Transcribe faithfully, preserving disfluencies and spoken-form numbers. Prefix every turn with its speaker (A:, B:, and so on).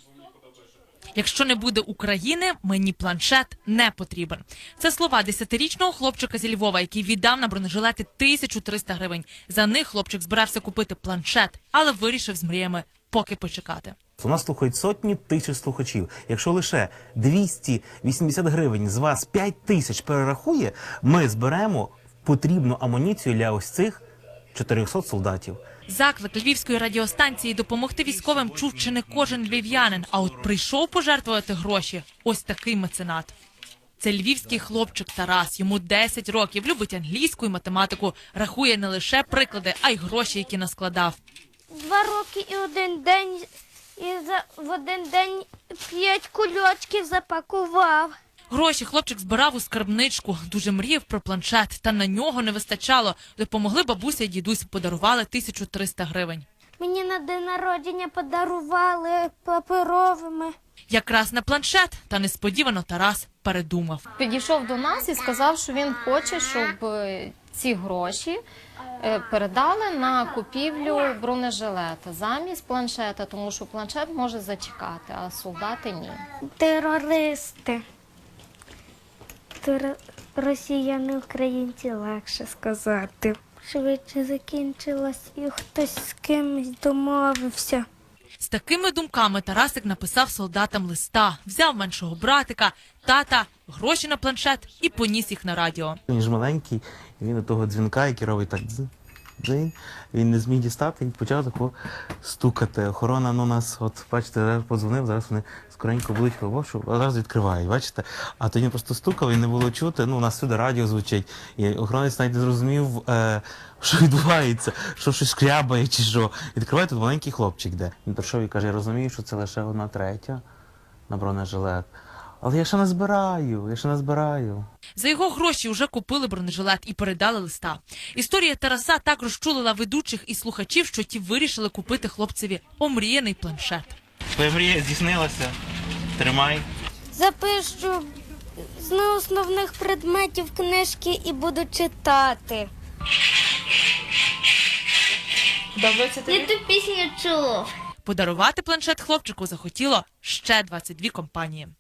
A: Якщо не буде України, мені планшет не потрібен. Це слова десятирічного хлопчика зі Львова, який віддав на бронежилети тисячу триста гривень. За них хлопчик збирався купити планшет, але вирішив з мріями поки почекати.
B: У нас слухають сотні тисяч слухачів. Якщо лише двісті вісімдесят гривень з вас п'ять тисяч перерахує, ми зберемо потрібну амуніцію для ось цих чотирьохсот солдатів.
A: Заклик Львівської радіостанції допомогти військовим чув чи не кожен львів'янин, а от прийшов пожертвувати гроші ось такий меценат. Це львівський хлопчик Тарас, йому десять років, любить англійську і математику, рахує не лише приклади, а й гроші, які наскладав.
C: Два роки і один день, і за, в один день п'ять кульочків запакував.
A: Гроші хлопчик збирав у скарбничку, дуже мріяв про планшет, та на нього не вистачало. Допомогли бабуся і дідусь, подарували тисячу триста гривень.
C: Мені на день народження подарували паперовими.
A: Якраз на планшет, та несподівано Тарас передумав.
D: Підійшов до нас і сказав, що він хоче, щоб е, ці гроші е, передали на купівлю бронежилета замість планшета, тому що планшет може зачекати, а солдати ні.
C: Терористи. Тер... Росіяни, українці, легше сказати. Швидше закінчилось і хтось з кимось домовився.
A: З такими думками Тарасик написав солдатам листа, взяв меншого братика, тата, гроші на планшет і поніс їх на радіо.
B: Він ж маленький, і він до того дзвінка, який робить так дзинь, дзинь, він не зміг дістати, і почав тако стукати. Охорона, ну, нас, от, бачите, зараз подзвонив, зараз вони скоренько будуть хлопшу, а зараз відкривають, бачите? А тоді він просто стукав і не було чути, ну, у нас сюди радіо звучить, і охоронець навіть не зрозумів, е, що відбувається, що щось шкрябає чи що. Відкриває, тут маленький хлопчик де. Він прийшов і каже, я розумію, що це лише одна третя на бронежилет. Але я ще не збираю, я ще не збираю.
A: За його гроші вже купили бронежилет і передали листа. Історія Тараса так розчулила ведучих і слухачів, що ті вирішили купити хлопцеві омріяний планшет.
B: Твоя мрія здійснилася. Тримай.
C: Запишу з неосновних предметів книжки і буду читати. Я ту пісню чув.
A: Подарувати планшет хлопчику захотіло ще двадцять дві компанії.